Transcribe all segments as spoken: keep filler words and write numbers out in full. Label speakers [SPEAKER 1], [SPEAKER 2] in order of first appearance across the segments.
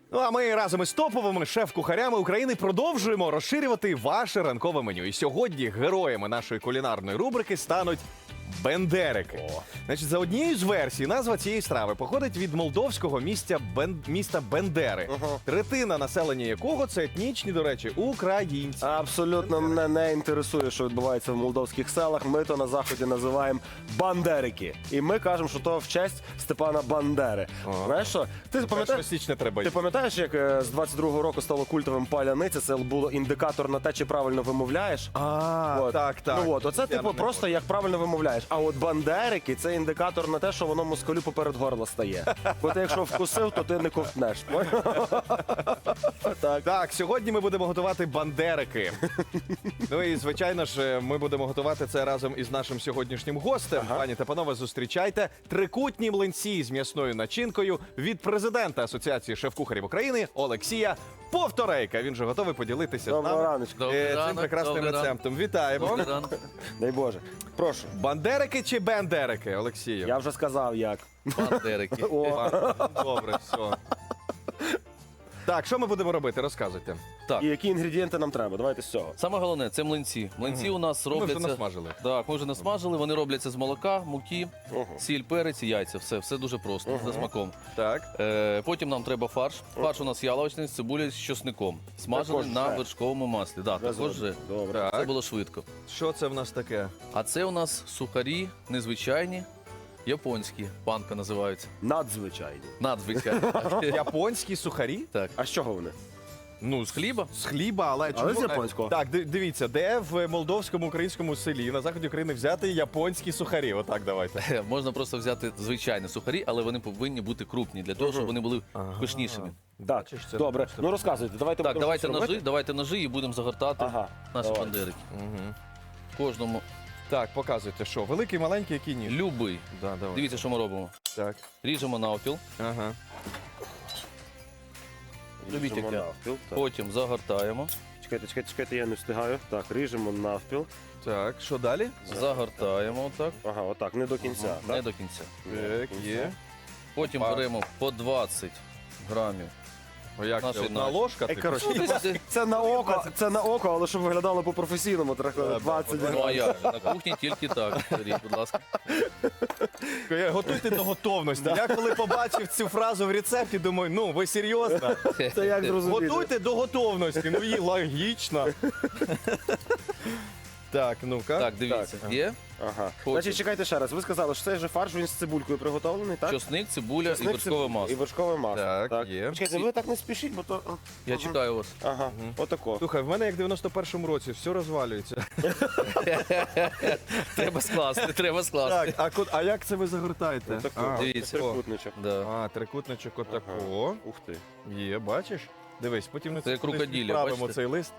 [SPEAKER 1] Ну а ми разом із топовими шеф-кухарями України продовжуємо розширювати ваше ранкове меню. І сьогодні героями нашої кулінарної рубрики стануть бендерики.
[SPEAKER 2] О.
[SPEAKER 1] Значить, за однією з версій, назва цієї страви походить від молдовського місця Бен... міста Бендери,
[SPEAKER 2] Ага.
[SPEAKER 1] третина населення якого це етнічні, до речі, українці.
[SPEAKER 2] Абсолютно мене не інтересує, що відбувається в молдовських селах. Ми то на заході називаємо бандерики. І ми кажемо, що то в честь Степана Бандери.
[SPEAKER 1] Ага.
[SPEAKER 2] Знаєш що? Ти пам'ятаєш,
[SPEAKER 1] Першого січня треба
[SPEAKER 2] ти
[SPEAKER 1] йти.
[SPEAKER 2] пам'ятаєш, як е, з двадцять другого року стало культовим паляниця? Це було індикатор на те, чи правильно вимовляєш.
[SPEAKER 1] А,
[SPEAKER 2] От.
[SPEAKER 1] так, так.
[SPEAKER 2] Ну от, оце
[SPEAKER 1] Я
[SPEAKER 2] типу
[SPEAKER 1] не
[SPEAKER 2] просто як правильно вимовляєш. А от бандерики це індикатор на те, що воно москалю поперед горла стає. Бо ти якщо вкусив, то ти не ковтнеш. Так.
[SPEAKER 1] Так, сьогодні ми будемо готувати бандерики. Ну і звичайно ж, ми будемо готувати це разом із нашим сьогоднішнім гостем.
[SPEAKER 2] Ага.
[SPEAKER 1] Пані та панове, зустрічайте трикутні млинці з м'ясною начинкою від президента Асоціації шеф-кухарів України Олексія Повторейка. Він же готовий поділитися з
[SPEAKER 2] Доброго
[SPEAKER 1] нами
[SPEAKER 2] раночку.
[SPEAKER 1] е,
[SPEAKER 3] Добрий
[SPEAKER 1] цим
[SPEAKER 3] ранок,
[SPEAKER 1] прекрасним
[SPEAKER 3] добрий ранок.
[SPEAKER 1] рецептом. Вітаємо.
[SPEAKER 3] Добрий ранок.
[SPEAKER 2] Дай Боже. Прошу.
[SPEAKER 1] Бандерики чи бендерики, Олексію?
[SPEAKER 2] Я вже сказав як.
[SPEAKER 3] Бандерики.
[SPEAKER 2] О.
[SPEAKER 1] Добре, все. Так, що ми будемо робити? Розказуйте.
[SPEAKER 3] Так,
[SPEAKER 2] І які інгредієнти нам треба? Давайте з цього.
[SPEAKER 3] саме головне це млинці. Млинці у нас
[SPEAKER 1] Ми вже
[SPEAKER 3] робляться.
[SPEAKER 1] насмажили.
[SPEAKER 3] Так, ми вже насмажили. Вони робляться з молока, муки,
[SPEAKER 2] Ого.
[SPEAKER 3] сіль, перець і яйця. Все, все дуже просто, за смаком.
[SPEAKER 1] Так.
[SPEAKER 3] Е, потім нам треба фарш. Фарш у нас яловичний з цибулею з чосником. Смажений
[SPEAKER 2] Також
[SPEAKER 3] на
[SPEAKER 2] вже.
[SPEAKER 3] вершковому маслі. Да, також вже.
[SPEAKER 2] Вже Добре.
[SPEAKER 3] Це
[SPEAKER 1] Так.
[SPEAKER 3] було швидко.
[SPEAKER 1] Що це в нас таке?
[SPEAKER 3] А це у нас сухарі незвичайні, японські. Панка називаються.
[SPEAKER 2] Надзвичайні.
[SPEAKER 3] Надзвичайні.
[SPEAKER 1] Японські сухарі?
[SPEAKER 3] Так.
[SPEAKER 2] А з чого вони?
[SPEAKER 1] Ну, з
[SPEAKER 3] Хліба?
[SPEAKER 1] З хліба, але
[SPEAKER 2] Але
[SPEAKER 1] чому?
[SPEAKER 2] з японського.
[SPEAKER 1] Так, ди- дивіться, де в молдовському українському селі на заході України взяти японські сухарі? Отак давайте.
[SPEAKER 3] Можна просто взяти звичайні сухарі, але вони повинні бути крупні для того, щоб вони були
[SPEAKER 1] Ага.
[SPEAKER 3] пишнішими.
[SPEAKER 2] Так,
[SPEAKER 1] Бачиш, це
[SPEAKER 2] добре.
[SPEAKER 1] просто-
[SPEAKER 2] Ну розказуйте, давайте
[SPEAKER 3] Так,
[SPEAKER 2] будемо
[SPEAKER 3] давайте
[SPEAKER 2] щось робити.
[SPEAKER 3] ножи, давайте ножи і будемо загортати
[SPEAKER 2] Ага.
[SPEAKER 3] наші
[SPEAKER 2] давай.
[SPEAKER 3] бандерики.
[SPEAKER 1] Угу.
[SPEAKER 3] Кожному
[SPEAKER 1] Так, показуйте, що? Великий, маленький, який ніж?
[SPEAKER 3] любий.
[SPEAKER 1] Да, давай.
[SPEAKER 3] Дивіться, що ми робимо.
[SPEAKER 1] Так.
[SPEAKER 3] Ріжемо навпіл,
[SPEAKER 1] Ага.
[SPEAKER 3] Любіть, як я.
[SPEAKER 2] навпіл. Так.
[SPEAKER 3] потім загортаємо,
[SPEAKER 2] Чекайте, чекайте, чекайте, я не встигаю. Так, ріжемо навпіл.
[SPEAKER 1] Так, що далі?
[SPEAKER 3] загортаємо отак,
[SPEAKER 2] Ага, отак, не до кінця.
[SPEAKER 3] не
[SPEAKER 2] Так?
[SPEAKER 3] до кінця.
[SPEAKER 2] Не до
[SPEAKER 1] Так,
[SPEAKER 2] кінця.
[SPEAKER 1] є.
[SPEAKER 3] Потім
[SPEAKER 1] Опа.
[SPEAKER 3] беремо по двадцять грамів.
[SPEAKER 1] О, як
[SPEAKER 3] Наші
[SPEAKER 1] це? Одна
[SPEAKER 3] наші.
[SPEAKER 1] ложка?
[SPEAKER 2] Е,
[SPEAKER 1] типу?
[SPEAKER 2] коротше,
[SPEAKER 3] Ну, десь- десь-
[SPEAKER 2] Це на око, це на око, але щоб виглядало по-професійному, трохи
[SPEAKER 1] Да,
[SPEAKER 2] двадцять
[SPEAKER 1] да,
[SPEAKER 3] Ну а
[SPEAKER 2] грамів.
[SPEAKER 3] як? На кухні тільки так. Беріть, будь ласка.
[SPEAKER 1] Готуйте до готовності. Я коли побачив цю фразу в рецепті, думаю, ну ви серйозно?
[SPEAKER 2] Це як зрозуміти?
[SPEAKER 1] Готуйте до готовності. Ну і логічно. Так, ну-ка.
[SPEAKER 3] Так, дивіться. Є
[SPEAKER 2] Ага.
[SPEAKER 3] Потім.
[SPEAKER 2] Значить, чекайте ще раз. Ви сказали, що цей же фарш він з цибулькою приготовлений, так?
[SPEAKER 3] чосник, цибуля і
[SPEAKER 2] Чесник,
[SPEAKER 3] вершкове
[SPEAKER 2] циб-
[SPEAKER 3] масло.
[SPEAKER 2] І вершкове масло.
[SPEAKER 1] Так, є.
[SPEAKER 2] Чекайте, ви так не спішіть, бо то...
[SPEAKER 3] Я чекаю вас.
[SPEAKER 2] Ага, отако.
[SPEAKER 1] Слухай, в мене як в дев'яносто першому році, все розвалюється.
[SPEAKER 3] Треба скласти, треба скласти.
[SPEAKER 1] Так, а, ко- а як це ви загортаєте?
[SPEAKER 2] Отако.
[SPEAKER 1] А,
[SPEAKER 3] Дивіться.
[SPEAKER 2] Трикутничок.
[SPEAKER 3] Да.
[SPEAKER 1] а, трикутничок отако.
[SPEAKER 2] Ух ти.
[SPEAKER 1] Є, бачиш? Дивись, потім ми
[SPEAKER 3] Це як рукоділля,
[SPEAKER 1] відправимо
[SPEAKER 3] бачите?
[SPEAKER 1] цей лист.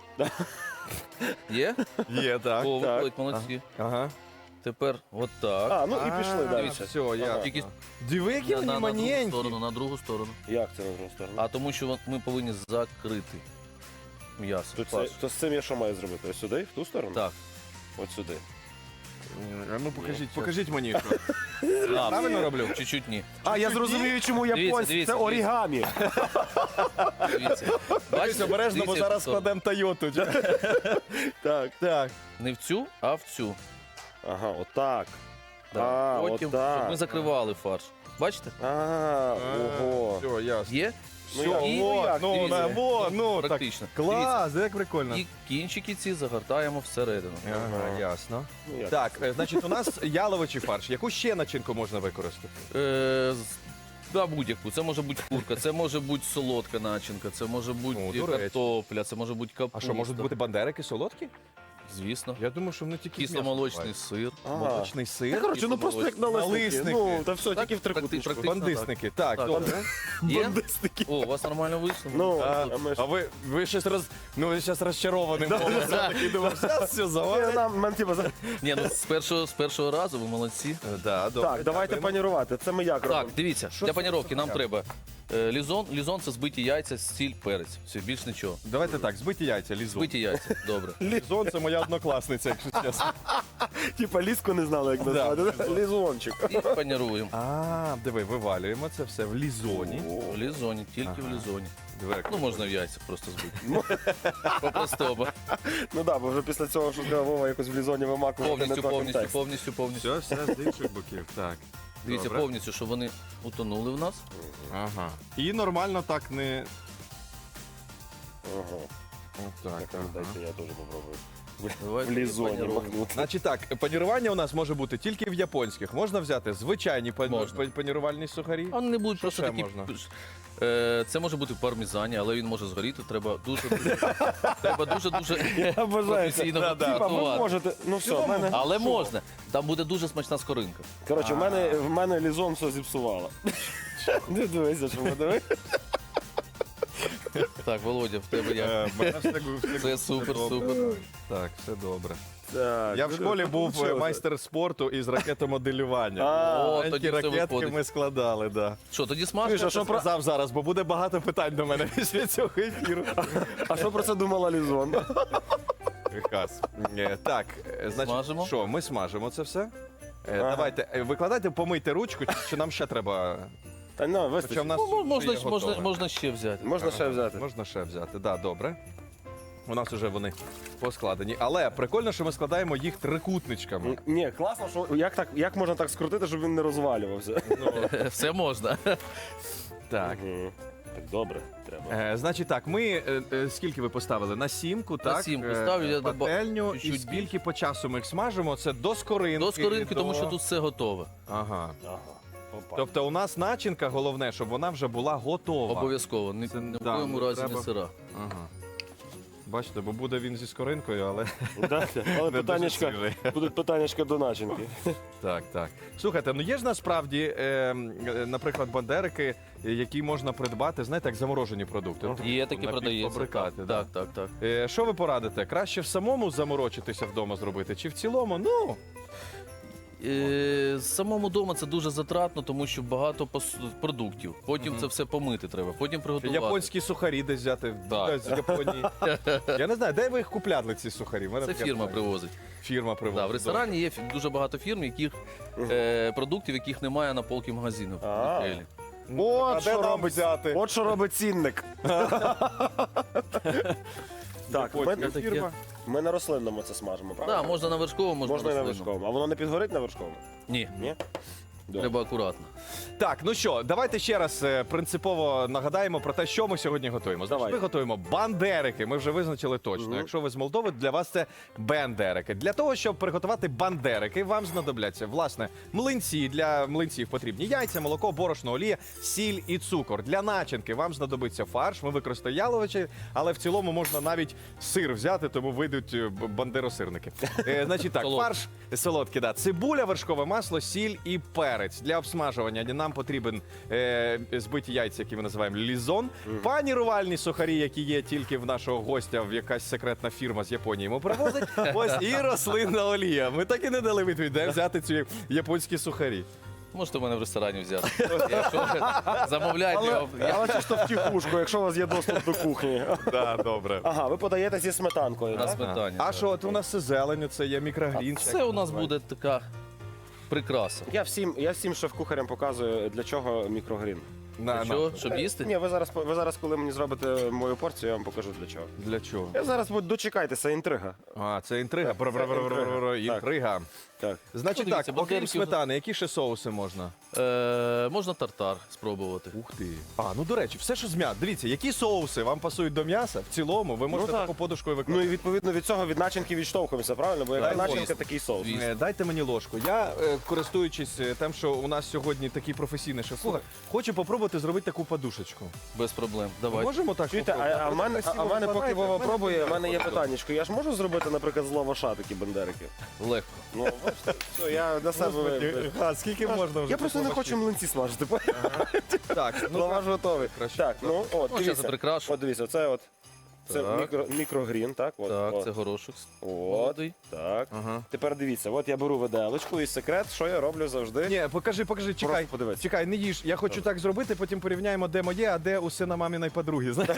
[SPEAKER 3] Є?
[SPEAKER 1] Є, так.
[SPEAKER 3] О,
[SPEAKER 2] так.
[SPEAKER 3] виходить, молодці.
[SPEAKER 1] Ага.
[SPEAKER 3] Дивіться. отак.
[SPEAKER 2] А, ну і пішли
[SPEAKER 1] А,
[SPEAKER 2] далі.
[SPEAKER 1] Все, я.
[SPEAKER 3] Тільки
[SPEAKER 1] Диви, які
[SPEAKER 3] на,
[SPEAKER 1] вони
[SPEAKER 3] на, на другу
[SPEAKER 1] маненькі.
[SPEAKER 3] сторону, на другу сторону.
[SPEAKER 2] Як це на другу сторону?
[SPEAKER 3] А тому що вон- ми повинні закрити м'ясо.
[SPEAKER 2] То, це,
[SPEAKER 3] фарш.
[SPEAKER 2] то з цим я що маю зробити? Ось сюди, в ту сторону?
[SPEAKER 3] Так.
[SPEAKER 2] От сюди.
[SPEAKER 1] А ну покажіть,
[SPEAKER 2] Ні.
[SPEAKER 1] покажіть мені, що.
[SPEAKER 3] А,
[SPEAKER 1] Правильно роблю?
[SPEAKER 3] Чуть-чуть ні.
[SPEAKER 2] А, я зрозумію, чому японці.
[SPEAKER 3] дивіться,
[SPEAKER 2] Це орігамі.
[SPEAKER 3] Дивіться.
[SPEAKER 1] Бачиш,
[SPEAKER 3] Бачите?
[SPEAKER 1] обережно, бо
[SPEAKER 3] Дивіться,
[SPEAKER 1] зараз
[SPEAKER 3] хто.
[SPEAKER 1] складемо Тойоту. Так, так.
[SPEAKER 3] Не в цю, а в цю.
[SPEAKER 2] Ага, отак.
[SPEAKER 3] Да.
[SPEAKER 2] А,
[SPEAKER 3] Потім,
[SPEAKER 2] отак.
[SPEAKER 3] щоб ми закривали фарш. Бачите?
[SPEAKER 2] А, ого.
[SPEAKER 1] Все, ясно.
[SPEAKER 3] Є?
[SPEAKER 2] Ну,
[SPEAKER 1] Все,
[SPEAKER 2] як?
[SPEAKER 3] І-
[SPEAKER 1] во,
[SPEAKER 2] як?
[SPEAKER 1] ну,
[SPEAKER 3] Дивіться.
[SPEAKER 1] на, во, ну, так.
[SPEAKER 3] Практично.
[SPEAKER 1] Клас, як прикольно.
[SPEAKER 3] І кінчики ці загортаємо всередину.
[SPEAKER 1] Ага, ясно.
[SPEAKER 2] Ну, як?
[SPEAKER 1] Так, е, значить, у нас яловичий фарш. Яку ще начинку можна використати?
[SPEAKER 3] Е, з- Да, будь-яку. Це може бути курка, це може бути солодка начинка, це може бути
[SPEAKER 1] Ну, до речі.
[SPEAKER 3] картопля, це може бути
[SPEAKER 1] А
[SPEAKER 3] капуста.
[SPEAKER 1] що, можуть бути бандерики солодкі?
[SPEAKER 3] Звісно.
[SPEAKER 1] Я думаю, що вони тільки з м'ясом
[SPEAKER 3] Кисломолочний
[SPEAKER 1] бувають.
[SPEAKER 3] сир.
[SPEAKER 2] Ага.
[SPEAKER 1] Молочний
[SPEAKER 2] Та,
[SPEAKER 1] сир.
[SPEAKER 2] коротше, ну просто як налисники.
[SPEAKER 1] Налисники.
[SPEAKER 2] Ну, та все,
[SPEAKER 3] Так,
[SPEAKER 2] тільки в трикутничку.
[SPEAKER 3] практи- практи-
[SPEAKER 1] Бандисники. Так,
[SPEAKER 3] Так.
[SPEAKER 1] добре.
[SPEAKER 3] Є?
[SPEAKER 2] Бандисники.
[SPEAKER 3] О, у вас нормально вийшло?
[SPEAKER 2] Ну,
[SPEAKER 1] А,
[SPEAKER 2] а ми ж...
[SPEAKER 1] а ви, ви щось роз... Ну, ви зараз розчарованим голосом такий думав, зараз все
[SPEAKER 2] Ні,
[SPEAKER 1] завалить.
[SPEAKER 2] нам, нам, типу, за-
[SPEAKER 3] Ні, ну з першого, з першого разу ви молодці.
[SPEAKER 1] Да, добре.
[SPEAKER 2] Так, давайте
[SPEAKER 1] дякуємо.
[SPEAKER 2] панірувати. Це ми як
[SPEAKER 3] Так,
[SPEAKER 2] робимо?
[SPEAKER 3] дивіться,
[SPEAKER 1] Що
[SPEAKER 3] для
[SPEAKER 1] це
[SPEAKER 3] паніровки нам
[SPEAKER 1] за
[SPEAKER 3] треба е, лізон. Лізон це збиті яйця, сіль, перець. Все, більш нічого.
[SPEAKER 1] Давайте так, збиті яйця, лізун.
[SPEAKER 3] Збиті яйця, добре.
[SPEAKER 1] Лізон – це моя моя однокласниця, якщо чесно.
[SPEAKER 2] Типа ліску не знали, як назвати. Лізончик.
[SPEAKER 3] І паніруємо.
[SPEAKER 1] А, диви, вивалюємо це все в лізоні.
[SPEAKER 3] В лізоні, тільки в лізоні.
[SPEAKER 1] Диви, як
[SPEAKER 3] Ну, можна в яйцях просто збити. По-простому.
[SPEAKER 2] Ну так, бо вже після цього, що сказав Вова, якось в лізоні вимакувати не
[SPEAKER 3] Повністю,
[SPEAKER 2] той
[SPEAKER 3] повністю,
[SPEAKER 2] контекст.
[SPEAKER 3] повністю, повністю.
[SPEAKER 1] Все, все з інших боків. Так.
[SPEAKER 3] Дивіться,
[SPEAKER 1] Добре.
[SPEAKER 3] повністю, щоб вони утонули в нас.
[SPEAKER 1] Ага. І нормально так не.
[SPEAKER 2] Ага.
[SPEAKER 1] Так,
[SPEAKER 2] Так,
[SPEAKER 1] ага.
[SPEAKER 2] дайте я теж попробую.
[SPEAKER 3] Давайте
[SPEAKER 2] В лізоні
[SPEAKER 3] паніруємо.
[SPEAKER 2] махнути.
[SPEAKER 1] Значить так, панірування у нас може бути тільки в японських. Можна взяти звичайні пан-
[SPEAKER 3] Можна.
[SPEAKER 1] пан- панірувальні сухарі.
[SPEAKER 3] А Вони не будуть
[SPEAKER 1] Що
[SPEAKER 3] просто
[SPEAKER 1] ще
[SPEAKER 3] такі.
[SPEAKER 1] можна?
[SPEAKER 3] Е, Це може бути в пармезані, але він може згоріти. Треба дуже треба дуже дуже
[SPEAKER 2] Я бажаю.
[SPEAKER 3] професійно
[SPEAKER 1] Да, да.
[SPEAKER 2] Типа, ви
[SPEAKER 3] готувати.
[SPEAKER 2] можете. Ну все, в мене.
[SPEAKER 3] Але можна. Там буде дуже смачна скоринка.
[SPEAKER 2] Коротше, в мене, в мене лізон все зіпсувало. Не дивися, що подиви.
[SPEAKER 3] Так, Володя, в тебе як?
[SPEAKER 1] Е, мене все гу- все
[SPEAKER 3] Це
[SPEAKER 1] гу-
[SPEAKER 3] супер,
[SPEAKER 1] добре.
[SPEAKER 3] супер.
[SPEAKER 1] Так, все добре.
[SPEAKER 2] Так,
[SPEAKER 1] Я в
[SPEAKER 2] ну,
[SPEAKER 1] школі
[SPEAKER 2] ну,
[SPEAKER 1] був
[SPEAKER 2] получилося.
[SPEAKER 1] майстер спорту із ракетомоделювання.
[SPEAKER 2] А,
[SPEAKER 3] О,
[SPEAKER 1] Маленькі
[SPEAKER 3] тоді все
[SPEAKER 1] ракетки
[SPEAKER 3] виходить.
[SPEAKER 1] ми складали, да.
[SPEAKER 3] Що, тоді
[SPEAKER 2] Чуєш,
[SPEAKER 3] смажка?
[SPEAKER 2] а що про-
[SPEAKER 1] Сказав зараз, бо буде багато питань до мене після цього ефіру.
[SPEAKER 2] А що про це думала Лізон?
[SPEAKER 1] Хас. Е, Так, е, значить,
[SPEAKER 3] Смажимо?
[SPEAKER 1] що, ми смажимо це все. Е,
[SPEAKER 2] Ага.
[SPEAKER 1] Давайте, е, викладайте, помийте ручку, чи- чи нам ще треба.
[SPEAKER 2] Та ну,
[SPEAKER 1] Хоча в
[SPEAKER 2] вистачить.
[SPEAKER 1] нас
[SPEAKER 3] Ну, можна,
[SPEAKER 1] вже є
[SPEAKER 3] можна,
[SPEAKER 1] готове.
[SPEAKER 3] можна ще взяти.
[SPEAKER 2] Можна ще взяти.
[SPEAKER 1] Можна ще взяти, да, добре. У нас вже вони поскладені. Але прикольно, що ми складаємо їх трикутничками.
[SPEAKER 2] Ні, класно, що як так, як можна так скрутити, щоб він не розвалювався?
[SPEAKER 3] Все можна.
[SPEAKER 1] Так.
[SPEAKER 2] Мгм. Так добре, треба.
[SPEAKER 1] Е, значить так, ми е, е, скільки ви поставили? На сімку, так?
[SPEAKER 3] сімку
[SPEAKER 1] Е,
[SPEAKER 3] ставлю, я доба-
[SPEAKER 1] пательню. І
[SPEAKER 3] чуть-чуть
[SPEAKER 1] скільки по часу ми їх смажимо? Це до скоринки.
[SPEAKER 3] До скоринки,
[SPEAKER 1] до-
[SPEAKER 3] тому що тут все готове.
[SPEAKER 1] Ага.
[SPEAKER 2] Ага. Опа.
[SPEAKER 1] Тобто у нас начинка, головне, щоб вона вже була готова.
[SPEAKER 3] Обов'язково. Ні,
[SPEAKER 1] Це-
[SPEAKER 3] ні в
[SPEAKER 1] да,
[SPEAKER 3] коєму
[SPEAKER 1] ну,
[SPEAKER 3] разі
[SPEAKER 1] треба-
[SPEAKER 3] не сира.
[SPEAKER 1] Ага. Бачите, бо буде він зі скоринкою, але
[SPEAKER 2] Да, але
[SPEAKER 1] не дуже
[SPEAKER 2] питаннячка,
[SPEAKER 1] свіжий.
[SPEAKER 2] будуть питаннячка до начинки.
[SPEAKER 1] Так, так. Слухайте, ну є ж насправді, е, е, наприклад, бандерики, е, які можна придбати, знаєте, як заморожені продукти. Ну, такі
[SPEAKER 3] Є такі продається.
[SPEAKER 1] напівфабрикати, да.
[SPEAKER 3] Так, так, так.
[SPEAKER 1] Е, що ви порадите? Краще в самому заморочитися вдома зробити, чи в цілому? Ну,
[SPEAKER 3] Е, Самому вдома це дуже затратно, тому що багато пос- продуктів. Потім це все помити треба, потім приготувати.
[SPEAKER 1] японські сухарі десь взяти
[SPEAKER 3] Так.
[SPEAKER 1] з Японії. Я не знаю, де ви їх купляли, ці сухарі? В мене
[SPEAKER 3] Це
[SPEAKER 1] таке
[SPEAKER 3] фірма
[SPEAKER 1] питання.
[SPEAKER 3] привозить.
[SPEAKER 1] Фірма привозить.
[SPEAKER 3] Да, в ресторані є фі- дуже багато фірм, яких е, продуктів, яких немає на полки магазину.
[SPEAKER 2] А.
[SPEAKER 1] Ну, а
[SPEAKER 2] От
[SPEAKER 1] де
[SPEAKER 2] що
[SPEAKER 1] нам
[SPEAKER 2] робить
[SPEAKER 1] взяти?
[SPEAKER 2] От що робить цінник. Так, ми,
[SPEAKER 1] Японська
[SPEAKER 3] фірма.
[SPEAKER 2] ми на рослинному це смажемо, правда?
[SPEAKER 3] Так, можна на вершковому, можна,
[SPEAKER 2] Можна і на
[SPEAKER 3] рослинному.
[SPEAKER 2] вершковому. А воно не підгорить на вершковому?
[SPEAKER 3] Ні,
[SPEAKER 2] Ні? Добре.
[SPEAKER 3] треба акуратно.
[SPEAKER 1] Так, ну що, давайте ще раз е, принципово нагадаємо про те, що ми сьогодні готуємо. Значить,
[SPEAKER 2] Давай.
[SPEAKER 1] ми готуємо бандерики. Ми вже визначили точно.
[SPEAKER 2] Мгм.
[SPEAKER 1] Якщо ви з Молдови, для вас це бендерики. Для того, щоб приготувати бандерики, вам знадобляться власне млинці. Для млинців потрібні яйця, молоко, борошно, олія, сіль і цукор. Для начинки вам знадобиться фарш. Ми використаємо яловичі, але в цілому можна навіть сир взяти, тому вийдуть е, б- бандеросирники. Е, Значить так,
[SPEAKER 3] Солодкі.
[SPEAKER 1] фарш солодкий, да. Цибуля, вершкове масло, сіль і перець. Для обсмажування нам потрібен е, збиті яйця, які ми називаємо лізон, панірувальні сухарі, які є тільки в нашого гостя, в якась секретна фірма з Японії йому привозить. Ось і рослинна олія. Ми так і не дали відповідь, де взяти ці японські сухарі.
[SPEAKER 3] Можете в мене в ресторані взяти. Якщо замовляйте,
[SPEAKER 2] Але,
[SPEAKER 3] я- я
[SPEAKER 2] але чисто втіхушку, якщо у вас є доступ до кухні.
[SPEAKER 1] Так, добре.
[SPEAKER 2] Ага, ви подаєте зі сметанкою,
[SPEAKER 3] на
[SPEAKER 2] так?
[SPEAKER 3] сметані.
[SPEAKER 1] А що, от у нас це зелень, це є мікрогрін.
[SPEAKER 3] Це у нас буде така прикраса.
[SPEAKER 2] Я всім, я всім шеф-кухарям показую, для чого мікрогрін.
[SPEAKER 1] На,
[SPEAKER 3] Що,
[SPEAKER 1] на.
[SPEAKER 3] щоб їсти?
[SPEAKER 2] Ні, ви зараз, ви зараз, коли мені зробите мою порцію, я вам покажу для чого.
[SPEAKER 1] Для чого?
[SPEAKER 2] Я зараз буду дочекайтеся, інтрига.
[SPEAKER 1] А, це інтрига.
[SPEAKER 2] Так, це
[SPEAKER 1] Бр-бр-бр-бр-бр.
[SPEAKER 2] інтрига.
[SPEAKER 1] Інтрига.
[SPEAKER 2] Так.
[SPEAKER 1] Значить
[SPEAKER 3] Ну, дивіться,
[SPEAKER 1] так, окрім
[SPEAKER 3] бандериків-
[SPEAKER 1] сметани, які ще соуси можна?
[SPEAKER 3] Е, можна тартар спробувати.
[SPEAKER 1] Ух ти. А, ну до речі, все, що з м'яса. Дивіться, які соуси вам пасують до м'яса, в цілому ви можете
[SPEAKER 2] так.
[SPEAKER 1] таку подушкою
[SPEAKER 2] Ну
[SPEAKER 1] викладати.
[SPEAKER 2] і відповідно від цього від начинки відштовхуємося, правильно? Бо яка
[SPEAKER 1] Так,
[SPEAKER 2] начинка,
[SPEAKER 3] звісно.
[SPEAKER 2] такий соус.
[SPEAKER 3] Звісно.
[SPEAKER 1] Е, Дайте мені ложку. Я, е, користуючись е, тим, що у нас сьогодні такий професійний шеф-кухар, хочу попробувати зробити таку подушечку.
[SPEAKER 3] Без проблем. Давай.
[SPEAKER 1] Можемо так
[SPEAKER 2] Чуєте,
[SPEAKER 1] попробувати?
[SPEAKER 2] а, а в мене, а, а в мене поки
[SPEAKER 1] Викладайте,
[SPEAKER 2] Вова
[SPEAKER 1] в мене
[SPEAKER 2] пробує, в мене є
[SPEAKER 1] так.
[SPEAKER 2] питаннячко. Я ж можу зробити, наприклад, з лаваша такі бандерики?
[SPEAKER 3] Легко.
[SPEAKER 2] Ну, бачите, все, я на себе...
[SPEAKER 1] Господи, а, скільки можна вже?
[SPEAKER 2] Я просто не
[SPEAKER 1] такого
[SPEAKER 2] хочу млинці смажити.
[SPEAKER 1] Так, ну
[SPEAKER 2] Лаваш готовий.
[SPEAKER 1] краще.
[SPEAKER 2] Так, ну от,
[SPEAKER 3] Ну, зараз
[SPEAKER 2] дивіться.
[SPEAKER 3] прикрашу.
[SPEAKER 2] От дивіться, це от Це
[SPEAKER 3] Так.
[SPEAKER 2] мікро, мікрогрін, так? От,
[SPEAKER 3] Так,
[SPEAKER 2] от.
[SPEAKER 3] це горошок.
[SPEAKER 2] От,
[SPEAKER 3] Молодий.
[SPEAKER 2] так.
[SPEAKER 1] Ага.
[SPEAKER 2] Тепер дивіться, от я беру виделочку і секрет, що я роблю завжди.
[SPEAKER 1] Ні, покажи, покажи, чекай.
[SPEAKER 2] подивись.
[SPEAKER 1] Чекай, не їж. Я хочу так зробити, потім порівняємо, де моє, а де у сина маміної подруги. знаєш?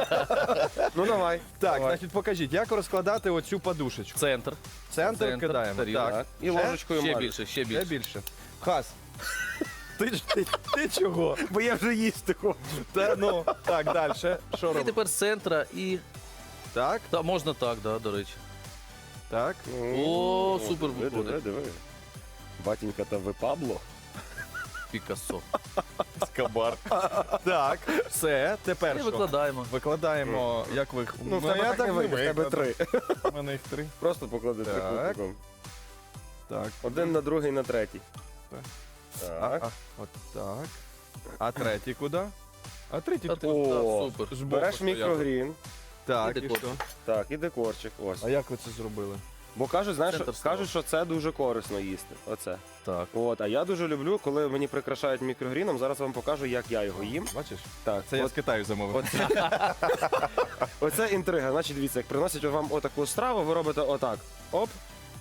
[SPEAKER 2] Ну давай.
[SPEAKER 1] Так,
[SPEAKER 2] давай.
[SPEAKER 1] значить, покажіть, як розкладати оцю подушечку.
[SPEAKER 3] Центр.
[SPEAKER 1] Центр,
[SPEAKER 3] Центр,
[SPEAKER 1] кидаємо.
[SPEAKER 3] тарілка.
[SPEAKER 1] Так.
[SPEAKER 2] І
[SPEAKER 1] Ще?
[SPEAKER 2] ложечкою
[SPEAKER 3] Ще
[SPEAKER 2] мажу.
[SPEAKER 3] більше, ще
[SPEAKER 1] Ще
[SPEAKER 3] більше.
[SPEAKER 1] більше. Хас. Ти, ж- ти, ти чого?
[SPEAKER 2] Бо я вже їсти хочу.
[SPEAKER 1] Та, ну, так, далі. Що
[SPEAKER 3] І
[SPEAKER 1] робимо?
[SPEAKER 3] тепер з центра і...
[SPEAKER 1] Так,
[SPEAKER 3] Та, можна так, да, до речі.
[SPEAKER 1] так.
[SPEAKER 3] О, супер
[SPEAKER 2] диви, диви,
[SPEAKER 3] виходить.
[SPEAKER 2] диви. Батінька, та ви Пабло?
[SPEAKER 3] Пікассо.
[SPEAKER 1] Скабар. Так, все, тепер
[SPEAKER 3] І
[SPEAKER 1] що?
[SPEAKER 3] викладаємо.
[SPEAKER 1] Викладаємо, як ви...
[SPEAKER 2] Ну, в тебе
[SPEAKER 1] я
[SPEAKER 2] так не вийде, в тебе
[SPEAKER 1] викладу.
[SPEAKER 2] три.
[SPEAKER 1] У мене їх три.
[SPEAKER 2] Просто поклади
[SPEAKER 1] Так.
[SPEAKER 2] трикутником.
[SPEAKER 1] Так.
[SPEAKER 2] Один на другий, на третій.
[SPEAKER 1] Так.
[SPEAKER 2] Так.
[SPEAKER 1] А, а, от так. А третій куди? А третій
[SPEAKER 3] Та
[SPEAKER 1] куди?
[SPEAKER 3] ти-
[SPEAKER 2] О,
[SPEAKER 3] та, супер.
[SPEAKER 1] Збоку
[SPEAKER 2] Береш
[SPEAKER 1] стояв.
[SPEAKER 2] мікрогрін.
[SPEAKER 1] Так,
[SPEAKER 3] І
[SPEAKER 1] і
[SPEAKER 3] декор.
[SPEAKER 1] що?
[SPEAKER 2] Так, і декорчик. Ось.
[SPEAKER 1] А як ви це зробили?
[SPEAKER 2] Бо кажуть, знаєш,
[SPEAKER 3] Центр
[SPEAKER 2] що-
[SPEAKER 3] стола.
[SPEAKER 2] кажуть, що це дуже корисно їсти. Оце.
[SPEAKER 3] Так.
[SPEAKER 2] От, а я дуже люблю, коли мені прикрашають мікрогріном. Зараз вам покажу, як я його їм.
[SPEAKER 1] Бачиш?
[SPEAKER 2] Так,
[SPEAKER 1] Це я
[SPEAKER 2] от,
[SPEAKER 1] з Китаю замовив.
[SPEAKER 2] оце, оце інтрига. Значить, дивіться, як приносять вам отаку страву, ви робите отак. Оп.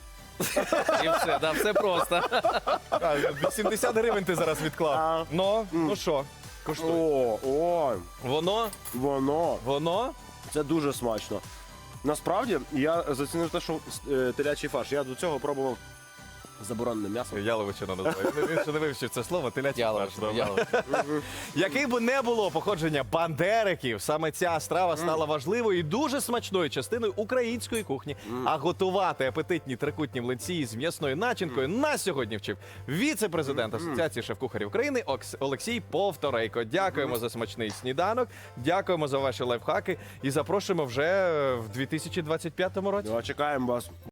[SPEAKER 3] І все, да, все просто.
[SPEAKER 1] А, вісімдесят гривень ти зараз відклав.
[SPEAKER 2] А.
[SPEAKER 1] Ну,
[SPEAKER 2] М.
[SPEAKER 1] ну що? Коштуй.
[SPEAKER 2] О, о,
[SPEAKER 1] Воно,
[SPEAKER 2] воно.
[SPEAKER 1] воно.
[SPEAKER 2] Це дуже смачно. Насправді, я зацінив те, що е, телячий фарш. Я до цього пробував заборонене м'ясо.
[SPEAKER 1] Яловичина називає. Він ще не вивчив це слово, телячий фарш.
[SPEAKER 3] Ялович, ялович.
[SPEAKER 1] Який би не було походження бандериків, саме ця страва стала важливою і дуже смачною частиною української кухні. А готувати апетитні трикутні млинці з м'ясною начинкою нас сьогодні вчив віце-президент Асоціації шеф-кухарів України Окс- Олексій Повторейко. Дякуємо за смачний сніданок, дякуємо за ваші лайфхаки і запрошуємо вже в дві тисячі двадцять п'ятому році.
[SPEAKER 2] Ну, а чекаємо вас.